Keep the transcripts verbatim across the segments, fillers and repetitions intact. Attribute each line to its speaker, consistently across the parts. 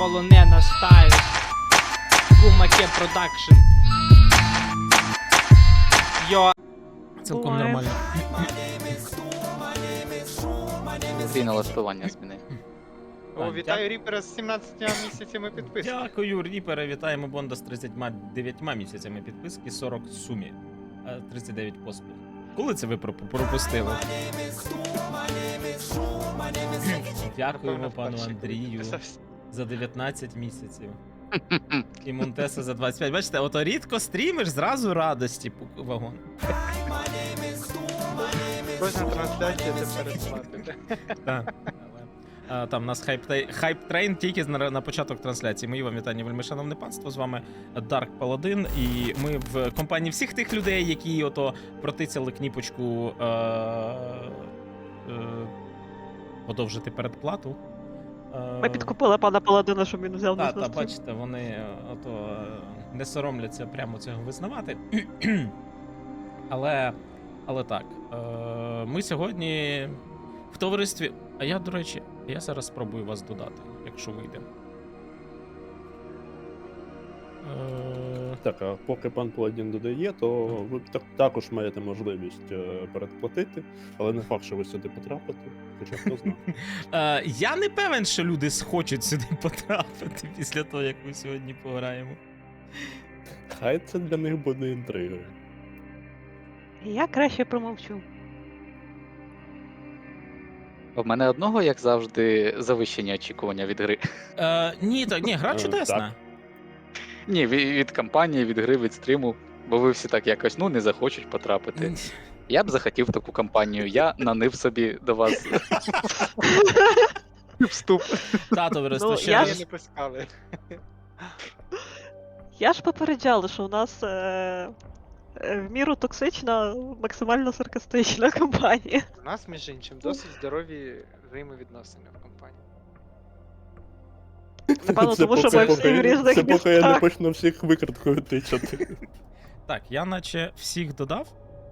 Speaker 1: полонена стайл. Кумаке продакшн. Йо. Цілком
Speaker 2: Буває.
Speaker 1: нормально.
Speaker 3: Твій налаштування зміни.
Speaker 4: О, вітаю Ріпера з сімнадцятьма місяцями підписки.
Speaker 1: Дякую, Ріпера. Вітаємо Бонда з тридцятьма дев'ятьма місяцями підписки, сорок в сумі. А, тридцять дев'ять поспіль. Коли це ви пропу- пропустили? Дякуємо пану Андрію за дев'ятнадцять місяців. І Монтеса за двадцять п'ять. Бачите, ото рідко стрімиш, зразу радості пу- вагон.
Speaker 4: Кожна трансляція це передплатити.
Speaker 1: Так. А, Там у нас хайп-трейн тільки на, на початок трансляції. Мої вам вітання, вельми шановне панство. З вами Dark Paladin. І ми в компанії всіх тих людей, які ото протицяли кніпочку е- е- подовжити передплату. Е,
Speaker 2: Ми підкупили пана Паладина, щоб він взяв
Speaker 1: Та,
Speaker 2: нас
Speaker 1: та,
Speaker 2: на стрім.
Speaker 1: бачите, вони е, ото е, не соромляться прямо цього визнавати. але, але так, е, ми сьогодні в товаристві. А я, до речі, я зараз спробую вас додати, якщо вийде. Е,
Speaker 5: Так, а поки пан Паладін додає, то ви так, також маєте можливість е, передплатити, але не факт, що ви сюди потрапите, хоча хто знає.
Speaker 1: е, я не певен, що люди схочуть сюди потрапити після того, як ми сьогодні пограємо.
Speaker 5: Хай це для них буде інтригою.
Speaker 2: Я краще промовчу.
Speaker 3: В мене одного, як завжди, завищені очікування від гри.
Speaker 1: Е, ні, так, ні, гра
Speaker 5: Е,
Speaker 1: чудесна.
Speaker 5: так.
Speaker 3: Ні, від, від кампанії, від гри, від стріму, бо ви всі так якось ну не захочуть потрапити. Я б захотів таку кампанію, я нанив собі до вас вступ.
Speaker 1: Та, товариство,
Speaker 2: Ну,
Speaker 1: ще
Speaker 2: я
Speaker 1: раз.
Speaker 4: Її не пускали.
Speaker 2: Я ж попереджала, що у нас е- е, в міру токсична, максимально саркастична компанія.
Speaker 4: У нас, між іншим, досить здорові взаємовідносини в компанії.
Speaker 2: Напевно,
Speaker 5: Це
Speaker 2: тому що
Speaker 5: поки-
Speaker 2: ми всі
Speaker 5: поки-
Speaker 2: в різних
Speaker 5: Це поки я не
Speaker 2: містах.
Speaker 5: почну всіх викраткою тичати.
Speaker 1: Так, я наче всіх додав.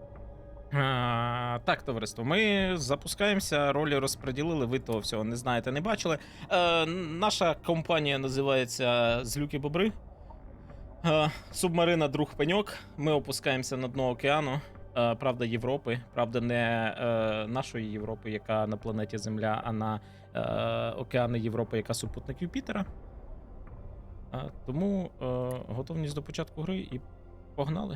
Speaker 1: А, так, товариство, ми запускаємося, ролі розподілили, ви того всього не знаєте, не бачили. Е, наша компанія називається Злюки Бобри. Е, субмарина Друг Пеньок. Ми опускаємося на дно океану. Е, правда, Європи. Правда, не е, нашої Європи, яка на планеті Земля, а на е, океани Європи, яка супутник Юпітера. Е, тому е, готовність до початку гри і погнали.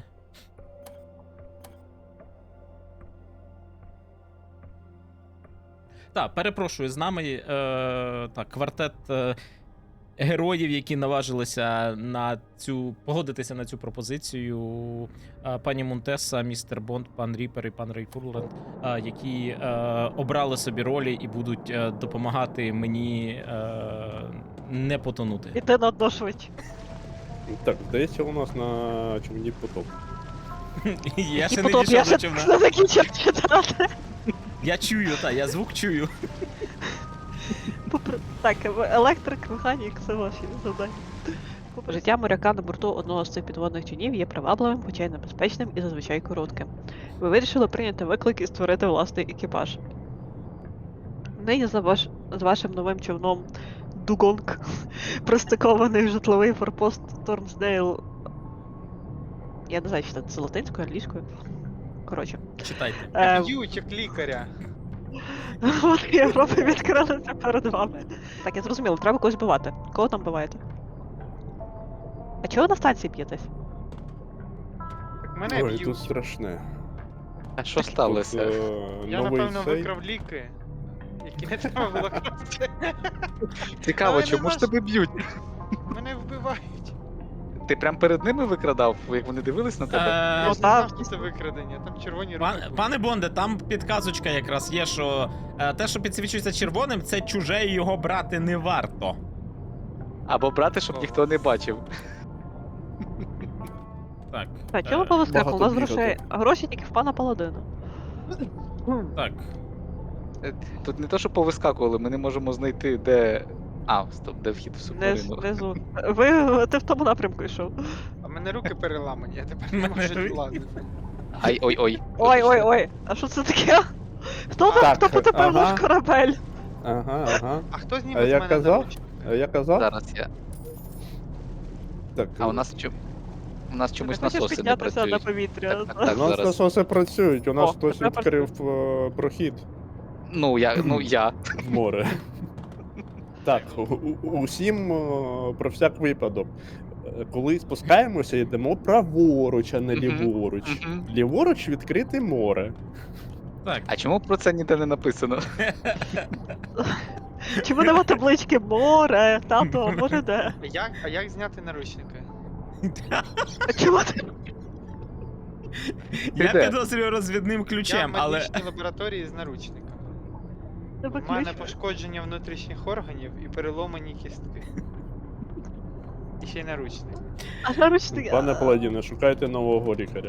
Speaker 1: Так, перепрошую, з нами е, так, квартет е, героїв, які наважилися на цю погодитися на цю пропозицію. Е, пані Монтеса, містер Бонд, пан Ріпер і пан Рейкурленд, е, які е, обрали собі ролі і будуть е, допомагати мені е, не потонути.
Speaker 2: Іти на дно швидше.
Speaker 5: Так, здається, у нас на човні потоп.
Speaker 1: Я
Speaker 2: І
Speaker 1: ще не
Speaker 2: потім я
Speaker 1: дійшов
Speaker 2: ще
Speaker 1: до човна.
Speaker 2: не закінчив читати.
Speaker 1: Я чую, так, я звук чую.
Speaker 2: Попри- Так, електрик, механік, це ваші завдання. Життя моряка на борту одного з цих підводних човнів є привабливим, хоча й небезпечним і зазвичай коротким. Ви вирішили прийняти виклик і створити власний екіпаж. Нині за ваш... з вашим новим човном Дугонг пристикований в житловий форпост Торнсдейл. Я не знаю, чи це латинською, англійською. Коротше.
Speaker 1: Читайте.
Speaker 2: Е,
Speaker 4: Б'ють, як лікаря.
Speaker 2: От Європи відкрилися перед вами. Так, я зрозуміла, треба когось бивати. Кого там биваєте? А чого ви на станції п'єтесь?
Speaker 4: Так мене
Speaker 5: Ой, тут
Speaker 4: б'ють.
Speaker 5: страшне.
Speaker 3: А що
Speaker 5: Тут,
Speaker 3: сталося?
Speaker 5: е,
Speaker 4: Я,
Speaker 5: новий
Speaker 4: напевно,
Speaker 5: цей.
Speaker 4: викрав ліки, які не треба було красти.
Speaker 3: Цікаво,
Speaker 4: Але
Speaker 3: чому
Speaker 4: нема
Speaker 3: ж тебе б'ють?
Speaker 4: Мене вбивають.
Speaker 3: Ти прям перед ними викрадав, як вони дивились на тебе?
Speaker 4: Я
Speaker 1: Е,
Speaker 4: ж не
Speaker 2: Ну,
Speaker 4: знав,
Speaker 2: так.
Speaker 4: що це викрадення, там червоні руки.
Speaker 1: Пан,
Speaker 4: були.
Speaker 1: пане Бонде, там підказочка якраз є, що е, те, що підсвічується червоним, це чуже і його брати не варто.
Speaker 3: Або брати, щоб ніхто не бачив.
Speaker 1: Так.
Speaker 2: А чого ви
Speaker 1: е,
Speaker 2: по вискаку? У
Speaker 5: багато
Speaker 2: нас
Speaker 5: бігати.
Speaker 2: грошей, гроші тільки в пана Паладина.
Speaker 1: Так.
Speaker 3: Е, Тут не то, що повискакували, ми не можемо знайти, де. А, стоп, де вхід в
Speaker 2: Не
Speaker 3: субмарину.
Speaker 2: внизу. Ви ти в тому напрямку йшов.
Speaker 4: А в мене руки переламані, я тепер не
Speaker 1: Мене
Speaker 4: можу
Speaker 1: руки.
Speaker 4: злазити.
Speaker 3: Ай, ой, ой.
Speaker 2: Ой, ой, ой, а що це таке? Хто там,
Speaker 5: Так,
Speaker 2: хто потепер
Speaker 5: ага.
Speaker 2: наш корабель?
Speaker 5: Ага, ага.
Speaker 4: А хто зніме
Speaker 5: А
Speaker 4: з
Speaker 5: я
Speaker 4: мене
Speaker 5: казав?
Speaker 4: наручники?
Speaker 5: Е, Я казав?
Speaker 3: Зараз я.
Speaker 5: Так,
Speaker 3: А у нас чому? У нас чомусь
Speaker 2: Ти хочеш
Speaker 3: насоси не
Speaker 2: піднятися на
Speaker 3: працюють.
Speaker 2: повітря?
Speaker 3: Так, так,
Speaker 5: у
Speaker 3: так,
Speaker 5: нас
Speaker 3: зараз.
Speaker 5: насоси працюють, у нас
Speaker 2: О,
Speaker 5: хтось
Speaker 2: тепер
Speaker 5: відкрив е, прохід
Speaker 3: Ну, я, ну, я.
Speaker 5: в море. Так, у- у- усім е, про всяк випадок. Е, Коли спускаємося, йдемо праворуч, а не
Speaker 3: Мгм,
Speaker 5: ліворуч.
Speaker 3: мгм.
Speaker 5: Ліворуч відкрите море.
Speaker 1: Так,
Speaker 3: А чому про це ніде не написано?
Speaker 2: Чому нема таблички море, тато, море де?
Speaker 4: Як, а як зняти наручники?
Speaker 2: А чому ти?
Speaker 1: я
Speaker 3: де?
Speaker 1: підозрюю розвідним
Speaker 4: Я в
Speaker 1: ключем, але.
Speaker 4: медичній лабораторії з наручниками.
Speaker 2: Тебе
Speaker 4: У мене
Speaker 2: ключ?
Speaker 4: пошкодження внутрішніх органів і переломані кістки. І ще й наручники.
Speaker 2: А наручники?
Speaker 5: Пане Паладіне, шукайте нового лікаря.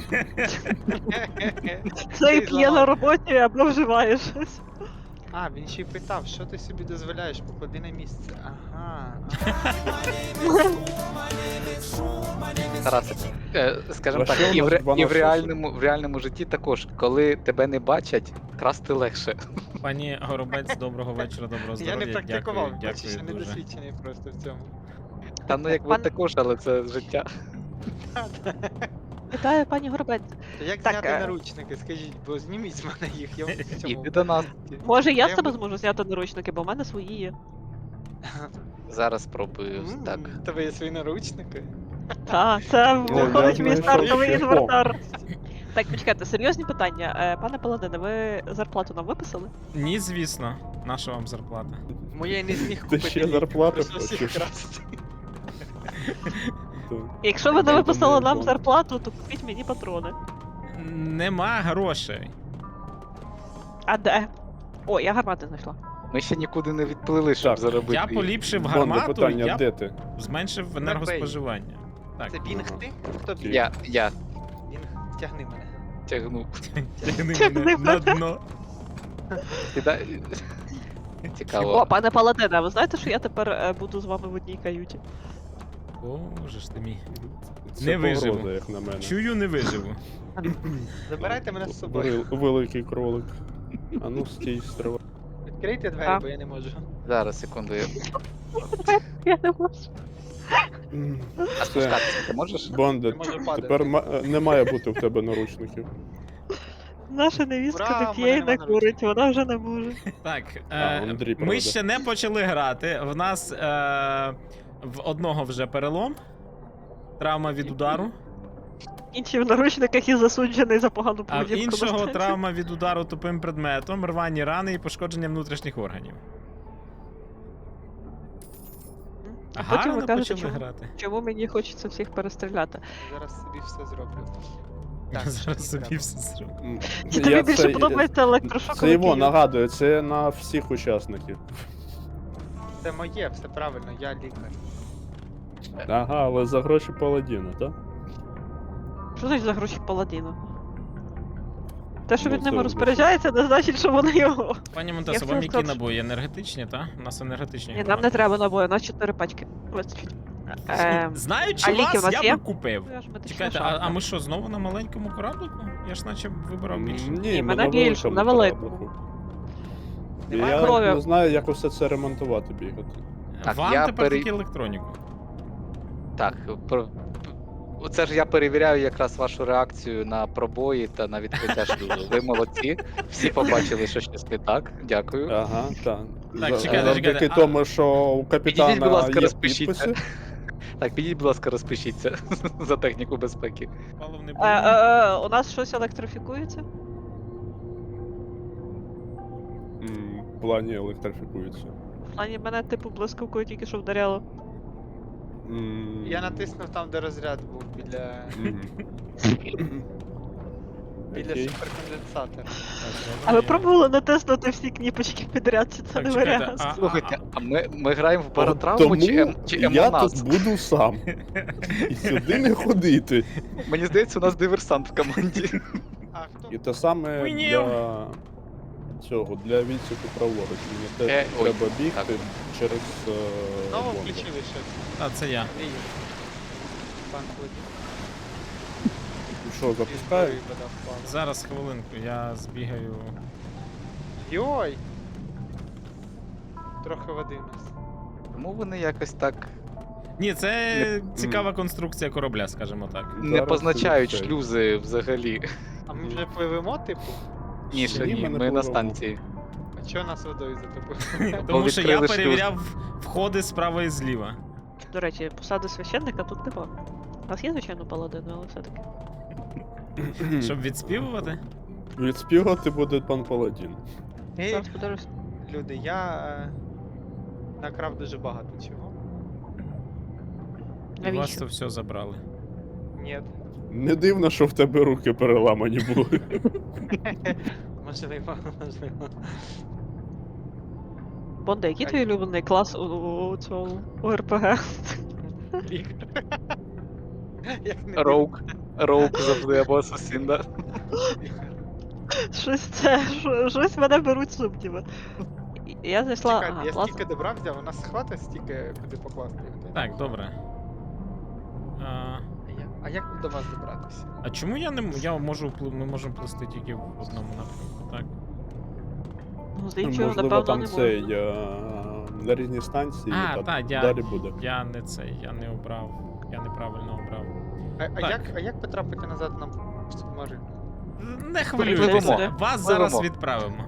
Speaker 2: Це і п'є на роботі або вживає щось.
Speaker 4: А, він ще й питав, що ти собі дозволяєш, поклади на місце. Ага.
Speaker 3: Тарас, е, скажімо
Speaker 5: За
Speaker 3: так,
Speaker 5: що
Speaker 3: і
Speaker 5: у
Speaker 3: в,
Speaker 5: нас
Speaker 3: ре-
Speaker 5: два
Speaker 3: і в
Speaker 5: насоси?
Speaker 3: реальному, в реальному житті також, коли тебе не бачать, красти легше.
Speaker 1: Пані Горобець, доброго вечора, доброго
Speaker 4: Я
Speaker 1: здоров'я.
Speaker 4: не практикував,
Speaker 1: Дякую,
Speaker 4: бачиш, я
Speaker 1: дякую
Speaker 4: не
Speaker 1: дуже.
Speaker 4: досвідчений просто в цьому.
Speaker 3: Та ну як ви
Speaker 2: Пан-
Speaker 3: також, але це життя.
Speaker 2: Вітаю, пані Горобець.
Speaker 4: То як
Speaker 2: Так,
Speaker 4: зняти
Speaker 2: е,
Speaker 4: наручники, скажіть, бо зніміть з мене їх, я в цьому.
Speaker 3: Іди до нас.
Speaker 2: Може я з
Speaker 4: Я
Speaker 2: тебе
Speaker 4: буду-
Speaker 2: зможу зняти наручники, бо в мене свої є.
Speaker 3: Зараз спробую.
Speaker 4: М,
Speaker 3: Так.
Speaker 4: в Тебе є свої наручники?
Speaker 2: Та, це
Speaker 5: Ну, я
Speaker 2: виходить мій
Speaker 5: знайшов
Speaker 2: стартовий
Speaker 5: шляхом.
Speaker 2: інвертар. Так, почекайте, серйозні питання. Е, Пане Паладине, ви зарплату нам виписали?
Speaker 1: Ні, звісно, наша вам зарплата.
Speaker 4: Моя не зміг
Speaker 5: Ти
Speaker 4: купити
Speaker 5: ще
Speaker 4: ліки,
Speaker 5: зарплату
Speaker 4: прийшлось їх
Speaker 5: хочеш?
Speaker 4: красти.
Speaker 5: То-
Speaker 2: Якщо ви не
Speaker 5: Я
Speaker 2: виписали
Speaker 5: думаю,
Speaker 2: нам
Speaker 5: бомба.
Speaker 2: зарплату, то купіть мені патрони.
Speaker 1: Нема грошей.
Speaker 2: А де? О, я гармати знайшла.
Speaker 3: Ми ще нікуди не відплили, щоб
Speaker 5: Так,
Speaker 3: заробити.
Speaker 1: Я поліпшив
Speaker 5: Бонде,
Speaker 1: гармату,
Speaker 5: питання,
Speaker 1: я
Speaker 5: де ти?
Speaker 1: зменшив енергоспоживання. Так,
Speaker 4: Це Бінг
Speaker 5: Ага.
Speaker 4: ти? Хто Бінг?
Speaker 3: Я, я
Speaker 4: Бінг, тягни мене.
Speaker 3: тягну.
Speaker 1: тягни
Speaker 2: Тягни
Speaker 1: мене на
Speaker 2: мене.
Speaker 1: дно.
Speaker 3: Кидай.
Speaker 2: О,
Speaker 3: Цікаво.
Speaker 2: пане Паладине, а ви знаєте, що я тепер е, буду з вами в одній каюті?
Speaker 1: Боже ж ти мій.
Speaker 5: Це
Speaker 1: Не виживу.
Speaker 5: погроза, як на мене.
Speaker 1: Чую, не виживу.
Speaker 4: Забирайте мене з собою.
Speaker 5: Вели- Великий кролик. А ну стій, стривай.
Speaker 4: Відкрийте двері,
Speaker 2: А.
Speaker 4: бо я не можу.
Speaker 3: Зараз, секунду. я-
Speaker 2: Я не можу.
Speaker 5: М,
Speaker 3: А
Speaker 5: Все,
Speaker 3: спускатися ти можеш?
Speaker 5: Бонде,
Speaker 4: Не можу падати.
Speaker 5: тепер ма- е, не має бути в тебе наручників.
Speaker 2: Наша
Speaker 4: Ура,
Speaker 2: невістка
Speaker 4: в
Speaker 2: не п'є
Speaker 4: мене
Speaker 2: і не
Speaker 4: нема
Speaker 2: курить, вона вже не може.
Speaker 1: Так,
Speaker 5: А,
Speaker 1: е,
Speaker 5: Андрій
Speaker 1: ми
Speaker 5: проведе.
Speaker 1: ще не почали грати. В нас е, в одного вже перелом. Травма від удару.
Speaker 2: Інші в наручниках і засуджений за погану
Speaker 1: А в
Speaker 2: поведінку. на
Speaker 1: іншого
Speaker 2: станції.
Speaker 1: травма від удару тупим предметом, рвані рани і пошкодження внутрішніх органів.
Speaker 2: А потім
Speaker 1: Гарно
Speaker 2: ви кажете,
Speaker 1: почали
Speaker 2: чому,
Speaker 1: грати.
Speaker 2: чому мені хочеться всіх перестріляти.
Speaker 4: Зараз собі все зроблю. Так,
Speaker 1: Я зараз
Speaker 4: що
Speaker 1: собі
Speaker 4: треба?
Speaker 1: все зроблю.
Speaker 5: М,
Speaker 2: Чи тобі
Speaker 5: я
Speaker 2: більше
Speaker 5: це-
Speaker 2: подобається електрошок?
Speaker 5: Це його нагадує, це на всіх учасників.
Speaker 4: Це моє, все правильно, я лікар.
Speaker 5: Ага, але за гроші паладіна, так?
Speaker 2: Що значить за гроші паладіна? Те, що
Speaker 5: Ну,
Speaker 2: він
Speaker 5: це
Speaker 2: ними
Speaker 5: вже-
Speaker 2: розпоряджається, не значить, що вони його.
Speaker 1: Пані
Speaker 2: Я
Speaker 1: Монтесо,
Speaker 2: хотіла
Speaker 1: вам які
Speaker 2: сказати,
Speaker 1: набої? Енергетичні, та? У нас енергетичні.
Speaker 2: Ні, нам
Speaker 1: гармати.
Speaker 2: не треба набою, у нас чотири пачки. Вистачить. Ем,
Speaker 1: Знаючи
Speaker 2: а ліки в
Speaker 1: вас,
Speaker 2: нас
Speaker 1: я
Speaker 2: є?
Speaker 1: би купив.
Speaker 2: я ж медична
Speaker 1: Чекайте, а,
Speaker 2: шапка.
Speaker 1: а ми що, знову на маленькому кораблику? Я ж наче вибирав більше.
Speaker 5: Ні,
Speaker 2: Ні,
Speaker 5: ми
Speaker 2: мене
Speaker 5: на
Speaker 2: більше,
Speaker 5: великому
Speaker 2: на великому.
Speaker 5: кораблику.
Speaker 2: Немає
Speaker 5: Я
Speaker 2: крові.
Speaker 5: не знаю, як усе це ремонтувати бігати.
Speaker 3: Так,
Speaker 1: Вам
Speaker 3: я
Speaker 1: тепер
Speaker 3: пере-
Speaker 1: тільки електроніку.
Speaker 3: Так, про... Оце ж я перевіряю якраз вашу реакцію на пробої та на відкриття шлюзу. Ви молодці. Всі побачили, що щось не так. Дякую.
Speaker 5: Ага, так.
Speaker 1: Так,
Speaker 5: За-
Speaker 1: чекайте,
Speaker 5: Завдяки
Speaker 1: чекайте, а-
Speaker 5: тому, що у капітана
Speaker 3: Підійдіть, будь ласка,
Speaker 5: є
Speaker 3: розпишіться.
Speaker 5: підписи.
Speaker 3: Так, підіть, будь ласка, розпишіться за техніку безпеки.
Speaker 1: Паливний
Speaker 2: Е,
Speaker 1: балон.
Speaker 2: е, е, у нас щось електрифікується?
Speaker 5: М, В плані електрифікується.
Speaker 2: В плані мене типу блискавкою тільки що вдаряло.
Speaker 5: М,
Speaker 4: Я натиснув там, де розряд був, біля,
Speaker 5: мгм.
Speaker 4: біля
Speaker 5: Окей.
Speaker 4: суперконденсатора.
Speaker 2: А ви пробували натиснути всі кніпочки підряд, чи це
Speaker 1: Так,
Speaker 2: не
Speaker 1: чекайте,
Speaker 2: варіант?
Speaker 1: а-
Speaker 3: Слухайте, а ми, ми граємо в
Speaker 5: От
Speaker 3: паратравму
Speaker 5: тому
Speaker 3: чи, ем, чи
Speaker 5: я
Speaker 3: емонас?
Speaker 5: тут буду сам. І сюди не ходити.
Speaker 3: Мені здається, у нас диверсант в команді.
Speaker 4: А хто?
Speaker 5: І те саме
Speaker 1: Хуйнів.
Speaker 5: для цього, для відсіку праворуч. Мені теж
Speaker 3: Е, ой,
Speaker 5: треба бігти
Speaker 3: так.
Speaker 5: через е,
Speaker 4: Знову
Speaker 5: бомби.
Speaker 4: включили щось.
Speaker 1: А, це я.
Speaker 4: Андрій. Пан Клодій.
Speaker 5: Ну що, запускаю?
Speaker 4: Історії вода впала.
Speaker 1: Зараз хвилинку, я збігаю.
Speaker 4: Йой! Трохи води в нас.
Speaker 3: Тому вони якось так
Speaker 1: Ні, це
Speaker 3: Не-
Speaker 1: цікава конструкція корабля, скажімо так.
Speaker 3: не
Speaker 5: Зараз
Speaker 3: позначають
Speaker 5: це-
Speaker 3: шлюзи взагалі.
Speaker 4: А ми вже пливемо, типу?
Speaker 3: Ні, ще
Speaker 5: Ні,
Speaker 3: ні,
Speaker 5: ми не
Speaker 3: ми на
Speaker 5: пливемо.
Speaker 3: станції.
Speaker 4: А чого нас водою затопило?
Speaker 1: Тому що я
Speaker 3: відкрили шлюз.
Speaker 1: перевіряв входи справа і зліва.
Speaker 2: До речі, посади священника тут нема. У нас є, звичайно, паладини, але все-таки.
Speaker 1: Щоб відспівувати.
Speaker 5: Відспівати буде пан Паладін.
Speaker 4: Ей,
Speaker 2: Зараз подивлюсь.
Speaker 4: люди, я е, накрав дуже багато чого.
Speaker 1: І вас
Speaker 2: Навіщо?
Speaker 1: то все забрали.
Speaker 4: Ні,
Speaker 5: Не дивно, що в тебе руки переламані були.
Speaker 4: можливо, можливо.
Speaker 2: Бонде, який твій улюблений клас у, у цьому у РПГ?
Speaker 4: Лікар. Як не
Speaker 3: Роук. Роук завжди або асасин, да?
Speaker 4: лікар.
Speaker 2: Щось це, що- щось мене беруть сумніви. І- Я знайшла.
Speaker 4: Чекайте,
Speaker 2: Ага,
Speaker 4: я
Speaker 2: клас.
Speaker 4: стільки добра взяв, у нас хватить стільки, куди покласти його.
Speaker 1: Так, добре. А,
Speaker 4: А як- А як до вас добратися?
Speaker 1: а чому я не м- я можу впли- ми можемо плисти тільки в одному напрямку, так?
Speaker 2: Ну, з іншого,
Speaker 5: Можливо,
Speaker 2: напевно,
Speaker 5: там
Speaker 2: не
Speaker 5: цей
Speaker 2: можна.
Speaker 5: е, на різні станції,
Speaker 1: А,
Speaker 5: та
Speaker 1: та, я-
Speaker 5: далі буде.
Speaker 1: Я не цей, я не обрав. Я неправильно обрав.
Speaker 4: А, а,
Speaker 1: Так.
Speaker 4: як, а як потрапити назад на субмарину?
Speaker 1: Не хвилюйтеся,
Speaker 3: Пливемо.
Speaker 1: вас зараз
Speaker 3: Пливемо.
Speaker 1: відправимо.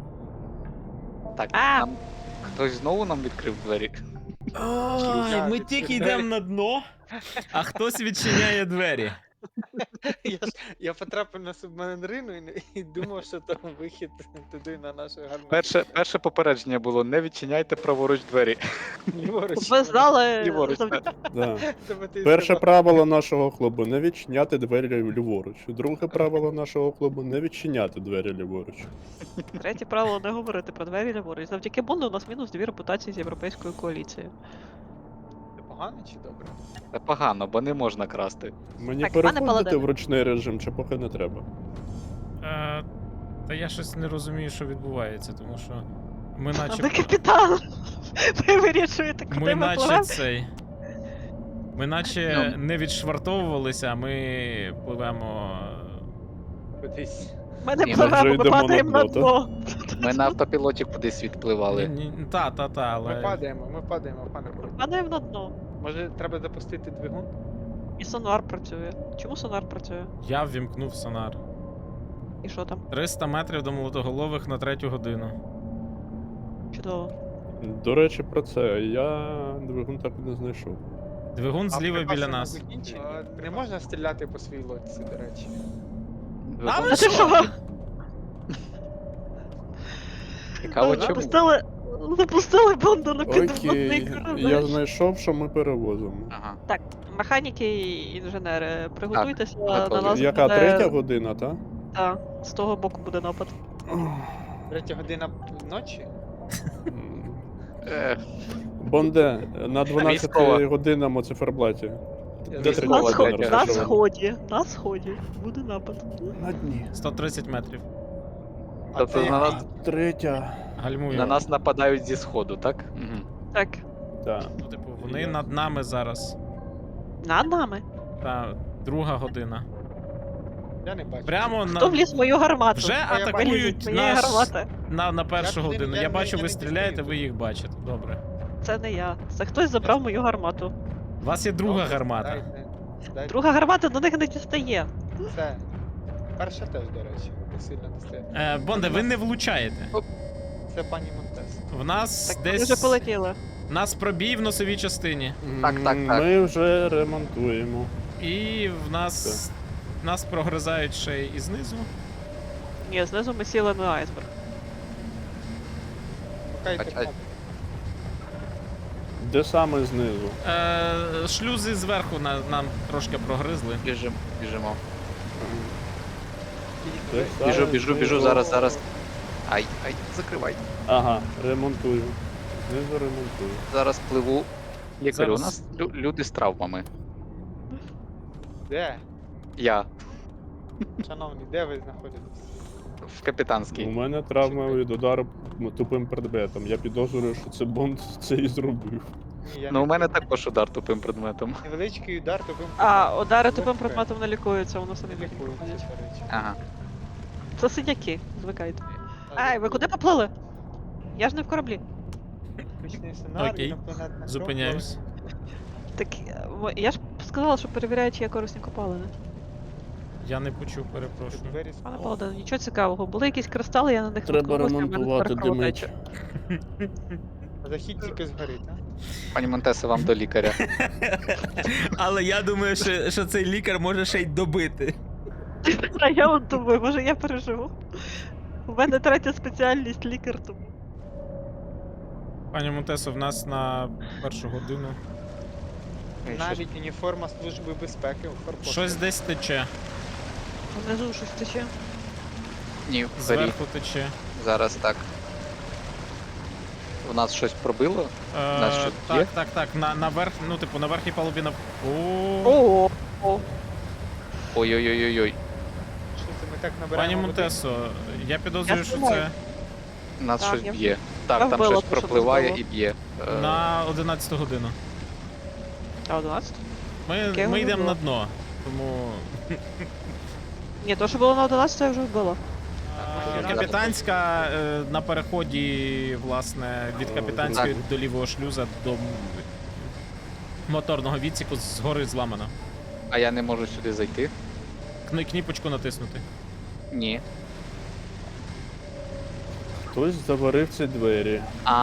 Speaker 3: Так,
Speaker 2: А!
Speaker 3: нам хтось знову нам відкрив двері.
Speaker 1: Ой, ми
Speaker 4: відкриваю.
Speaker 1: тільки йдемо на дно, а хтось відчиняє двері.
Speaker 4: Я, ж, я потрапив на субмарину і, не- і думав, що там вихід туди на нашу гарну.
Speaker 3: Перше, перше попередження було: не відчиняйте праворуч двері.
Speaker 4: Ліворуч.
Speaker 2: Ви знали.
Speaker 3: Ліворуч,
Speaker 2: завдяки-
Speaker 3: так.
Speaker 5: Да.
Speaker 4: Тебе ти
Speaker 5: Перше
Speaker 4: сказав.
Speaker 5: правило нашого клубу не відчиняти двері ліворуч. Друге правило нашого клубу не відчиняти двері ліворуч.
Speaker 2: Третє правило не говорити про двері ліворуч. Завдяки Бонду у нас мінус дві репутації з європейською коаліцією.
Speaker 4: Це погано чи добре?
Speaker 3: Це погано, бо не можна красти.
Speaker 5: Мені
Speaker 2: Так, пане
Speaker 5: переходити
Speaker 2: Паладине.
Speaker 5: в ручний режим, чи поки не треба.
Speaker 1: Е, та я щось не розумію, що відбувається, тому що ми
Speaker 2: А
Speaker 1: наче.
Speaker 2: ви капітан! Ви вирішуєте, куди
Speaker 1: Ми
Speaker 2: ми
Speaker 1: наче
Speaker 2: пливемо?
Speaker 1: цей. Ми наче
Speaker 3: Ну.
Speaker 1: не відшвартовувалися, а ми пливемо.
Speaker 4: Кудись.
Speaker 2: Ми не
Speaker 3: Ні, ми
Speaker 5: вже
Speaker 2: пливемо, ми
Speaker 5: йдемо на
Speaker 2: падаємо на
Speaker 5: дно,
Speaker 2: дно.
Speaker 3: Ми на автопілоті кудись відпливали.
Speaker 1: Ні, ні, Та, та, та,
Speaker 4: Ми
Speaker 1: але.
Speaker 4: падаємо, ми падаємо, пане Павло.
Speaker 2: Падаємо на дно.
Speaker 4: Може треба запустити двигун?
Speaker 2: І сонар працює. Чому сонар працює?
Speaker 1: Я ввімкнув сонар.
Speaker 2: І що там?
Speaker 1: триста метрів до молотоголових на третю годину.
Speaker 2: Чудово.
Speaker 5: До речі, про це. Я двигун так і не знайшов.
Speaker 1: Двигун зліва
Speaker 4: припаси
Speaker 1: біля
Speaker 4: не
Speaker 1: нас.
Speaker 4: закінчені? Не можна стріляти по своїй лодці, до речі.
Speaker 1: А ви
Speaker 2: А ти що?
Speaker 3: Цікаво, чому?
Speaker 2: Запустили, запустили Бонду на підводний
Speaker 5: Окей,
Speaker 2: корабель.
Speaker 5: я знайшов, що ми перевозимо.
Speaker 3: Ага.
Speaker 2: Так, механіки і інженери, приготуйтеся
Speaker 3: готові.
Speaker 2: на нас.
Speaker 5: Яка
Speaker 2: буде...
Speaker 5: третя година, та?
Speaker 2: Так, з того боку буде напад.
Speaker 4: Третя година ночі?
Speaker 5: М.
Speaker 3: Ех,
Speaker 5: Бонде, на
Speaker 3: Військова.
Speaker 5: дванадцятій годинному циферблаті.
Speaker 4: Я
Speaker 5: Де
Speaker 4: знаю.
Speaker 2: На,
Speaker 3: Військова
Speaker 5: третя
Speaker 2: сход...
Speaker 5: година
Speaker 3: третя.
Speaker 2: на
Speaker 5: розташована?
Speaker 2: сході, на сході буде напад.
Speaker 5: На дні.
Speaker 1: сто тридцять метрів.
Speaker 4: А
Speaker 3: Тобто
Speaker 4: ти-
Speaker 3: на нас,
Speaker 5: Третя.
Speaker 1: Гальмую.
Speaker 3: на нас нападають зі сходу, так? Угу.
Speaker 2: Так,
Speaker 5: Так.
Speaker 1: Ну, типу, вони над нами зараз.
Speaker 2: над нами.
Speaker 1: Та друга година.
Speaker 4: Я не бачу.
Speaker 1: Прямо
Speaker 2: Хто
Speaker 1: на,
Speaker 2: вліз в мою гармату?
Speaker 1: вже
Speaker 4: я бачу.
Speaker 1: атакують
Speaker 2: Моєї
Speaker 1: наш,
Speaker 2: гармати.
Speaker 1: на, на першу
Speaker 4: Я туди-
Speaker 1: годину.
Speaker 4: я
Speaker 1: Я
Speaker 4: не-
Speaker 1: бачу,
Speaker 4: я
Speaker 1: ви
Speaker 4: не
Speaker 1: стріляєте,
Speaker 4: дістаю.
Speaker 1: ви їх бачите. Добре.
Speaker 2: Це не я. Це хтось забрав мою гармату.
Speaker 1: У вас є друга
Speaker 4: Добре,
Speaker 1: гармата.
Speaker 4: дайте- дайте.
Speaker 2: Друга гармата до них не дістає.
Speaker 4: Це. Перша теж, до речі, не сильно достає.
Speaker 1: Е, Бонде, ви не влучаєте.
Speaker 4: Це пані Монтес.
Speaker 1: В нас
Speaker 2: Так ми
Speaker 1: десь.
Speaker 2: вже полетіли.
Speaker 1: У нас пробій в носовій частині.
Speaker 3: Так, так,
Speaker 5: М,
Speaker 3: так.
Speaker 5: Ми вже ремонтуємо.
Speaker 1: І в нас. Нас прогризають ще і знизу.
Speaker 2: Ні, знизу ми сіли на айсберг.
Speaker 4: Шукайте
Speaker 3: А- а-
Speaker 4: кнопку.
Speaker 5: Де саме знизу?
Speaker 1: Е, шлюзи зверху на, нам трошки прогризли.
Speaker 3: Біжимо, біжимо.
Speaker 5: Де
Speaker 3: Біжу,
Speaker 5: саме
Speaker 3: біжу, біжу,
Speaker 5: знизу?
Speaker 3: зараз, зараз. Ай, ай, закривай.
Speaker 5: Ага, ремонтую. Знизу ремонтую.
Speaker 3: Зараз пливу. Лікарю, у
Speaker 1: Зараз.
Speaker 3: нас лю- люди з травмами.
Speaker 4: Де?
Speaker 3: Я
Speaker 4: Шановні, де ви знаходитесь?
Speaker 3: в
Speaker 5: У
Speaker 3: капітанській.
Speaker 5: мене травма від удару тупим предметом. Я підозрюю, що це Бонд це і зробив.
Speaker 4: Ні, я
Speaker 3: Ну,
Speaker 4: не
Speaker 3: у мене
Speaker 4: знаю.
Speaker 3: також удар тупим предметом.
Speaker 4: Невеличкий удар тупим
Speaker 2: А,
Speaker 4: предметом.
Speaker 2: удари тупим
Speaker 4: Легке.
Speaker 2: предметом не лікуються, воно самі
Speaker 4: Не
Speaker 2: потім
Speaker 4: лікується,
Speaker 2: проходять.
Speaker 4: до речі.
Speaker 3: Ага.
Speaker 2: Це сидяки, звикайте.
Speaker 4: А,
Speaker 2: Ай, ви куди поплили? Я ж не в кораблі.
Speaker 4: Вибачний сценарій,
Speaker 1: Окей.
Speaker 4: інопланетна кров,
Speaker 1: Зупиняюсь.
Speaker 2: Так е, мо- я ж сказала, що перевіряю, чи є корисні копалини.
Speaker 1: Я не почув,
Speaker 4: коли
Speaker 1: перепрошую.
Speaker 4: двері
Speaker 2: Пане
Speaker 4: з-
Speaker 2: Паладин, нічого цікавого. Були якісь кристали, я на них
Speaker 5: Треба
Speaker 2: наткнулася, в мене
Speaker 5: ремонтувати
Speaker 2: тепер кровотеча.
Speaker 5: димить.
Speaker 4: Захід тільки згорить, а?
Speaker 3: Пані Монтесе, вам до лікаря.
Speaker 1: Але я думаю, що, що цей лікар може ще й добити.
Speaker 2: А я от думаю, може я переживу. У мене третя спеціальність лікар, тому.
Speaker 1: Пані Монтесо, в нас на першу годину.
Speaker 3: Ей, що ж-
Speaker 4: Навіть уніформа Служби безпеки у форпосту.
Speaker 1: Щось десь тече.
Speaker 2: Внизу щось тече.
Speaker 3: Ні, вгорі.
Speaker 1: Зверху тече.
Speaker 3: Зараз так. У нас щось пробило?
Speaker 1: Е,
Speaker 3: Нас що,
Speaker 1: так,
Speaker 3: є?
Speaker 1: так, так. На, наверх, ну, типу, на верхній палубі на. О,
Speaker 2: О, о.
Speaker 3: Ой-ой-ой-ой-ой.
Speaker 4: Що це ми так
Speaker 1: Пані
Speaker 4: набираємо води?
Speaker 1: Монтесо, я підозрюю,
Speaker 2: Я
Speaker 1: що
Speaker 2: знімаю.
Speaker 1: це
Speaker 3: Нас
Speaker 2: Так,
Speaker 3: щось
Speaker 2: я-
Speaker 3: б'є.
Speaker 2: я
Speaker 3: Так, там
Speaker 2: вбила
Speaker 3: щось
Speaker 2: те, що
Speaker 3: пропливає
Speaker 2: тут
Speaker 3: і б'є. Е,
Speaker 1: на одинадцяту годину.
Speaker 2: А одинадцять?
Speaker 1: Ми,
Speaker 2: Яке
Speaker 1: ми
Speaker 2: воно
Speaker 1: йдемо
Speaker 2: було?
Speaker 1: на дно. Тому.
Speaker 2: Ні, то, що було на одинадцять, я вже вбила.
Speaker 1: Е, Капітанська е, на переході, власне, від
Speaker 5: Е,
Speaker 1: капітанської
Speaker 5: так.
Speaker 1: до лівого шлюза до м- моторного відсіку згори зламана.
Speaker 3: А я не можу сюди зайти?
Speaker 1: Кн- Кніпочку натиснути.
Speaker 3: Ні.
Speaker 5: Хтось заварив ці двері.
Speaker 3: А,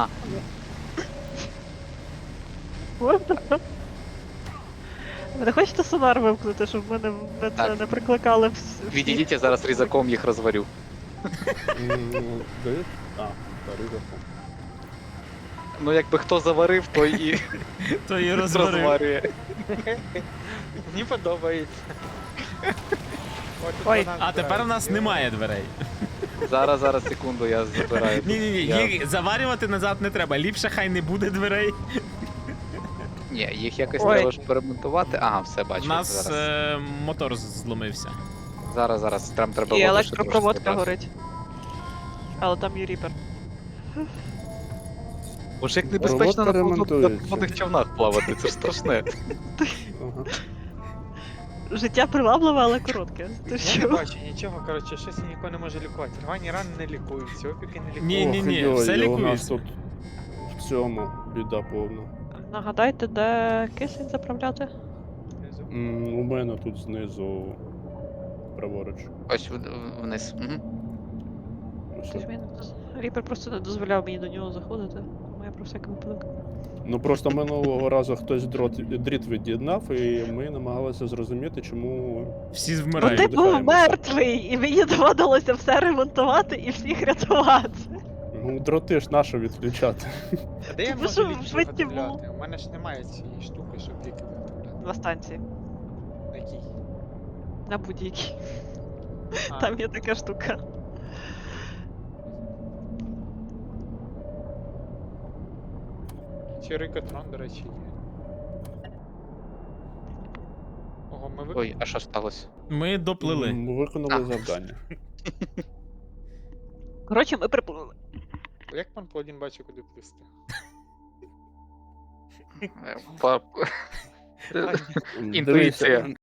Speaker 2: Ви не хочете сонар вимкнути, щоб мене мене це
Speaker 3: Так.
Speaker 2: не прикликали вс- всі?
Speaker 3: відійдіть, я зараз різаком їх розварю.
Speaker 5: М, Де? А, ризиком.
Speaker 3: Ну, якби хто заварив, той і
Speaker 1: То і розварив.
Speaker 3: розварює.
Speaker 4: Мені подобається. От тут
Speaker 2: Ой,
Speaker 4: вона
Speaker 1: А тепер у
Speaker 4: збирається.
Speaker 1: нас немає дверей.
Speaker 3: Зараз, зараз, секунду, я забираю.
Speaker 1: Ні, ні, ні,
Speaker 3: Я-
Speaker 1: їх заварювати назад не треба. Ліпше хай не буде дверей.
Speaker 3: Ні, їх якось
Speaker 2: Ой.
Speaker 3: треба ж перемонтувати. Ага, все,
Speaker 1: У
Speaker 3: бачу.
Speaker 1: нас
Speaker 3: Зараз,
Speaker 1: е, мотор зломився.
Speaker 3: зараз, зараз. Там треба
Speaker 2: І
Speaker 3: воду ще
Speaker 2: електропроводка
Speaker 3: трошки додати.
Speaker 2: горить. Але там є ріпер.
Speaker 3: Боже, як небезпечно на
Speaker 5: Проводка
Speaker 3: поводних- на
Speaker 5: ремонтується.
Speaker 3: водних човнах плавати, це ж страшне.
Speaker 5: Ага.
Speaker 2: Життя привабливе, але коротке. Ти
Speaker 4: Я не
Speaker 2: що?
Speaker 4: бачу нічого, коротше, щось ніхто не може лікувати. Рвані рани не лікуються, опіки не лікуються.
Speaker 1: Ні, ні, ні,
Speaker 5: Ох,
Speaker 1: все
Speaker 5: йой, у нас
Speaker 1: лікується.
Speaker 5: тут в цьому біда повна.
Speaker 2: Нагадайте, де кисень заправляти?
Speaker 5: М, У мене тут знизу праворуч.
Speaker 3: Ось в- в- вниз. Угу.
Speaker 5: Ось
Speaker 2: Ти ж
Speaker 5: так.
Speaker 2: мені не доз- Ріпер просто не дозволяв мені до нього заходити. Тому я про всякий випадок.
Speaker 5: Ну просто минулого разу хтось дрот, дріт від'єднав, і ми намагалися зрозуміти, чому.
Speaker 1: Всі
Speaker 2: Ну
Speaker 1: вмирають.
Speaker 2: ти був
Speaker 5: Видихаємося.
Speaker 2: мертвий, і мені доводилося все ремонтувати і всіх рятувати.
Speaker 5: Ну, дроти ж нащо відключати.
Speaker 4: А де я
Speaker 2: Ви
Speaker 4: можу
Speaker 2: що,
Speaker 4: ліки
Speaker 2: вбиті
Speaker 4: виготовляти? У мене ж немає цієї штуки, щоб ліки виготовляти.
Speaker 2: На станції.
Speaker 4: На якій?
Speaker 2: На будь-якій.
Speaker 4: А,
Speaker 2: Там є така штука.
Speaker 4: Чи рикотрон, до речі, є. Ого, ми
Speaker 3: Ой,
Speaker 4: виконали.
Speaker 3: а що сталося?
Speaker 1: Ми доплили.
Speaker 5: М, Виконали
Speaker 3: А.
Speaker 5: завдання.
Speaker 2: Коротше, ми приплили.
Speaker 4: Як пан Паладін бачить, куди плисти?
Speaker 3: Е, па-
Speaker 5: М,
Speaker 3: Інтуїція.
Speaker 5: дивіться,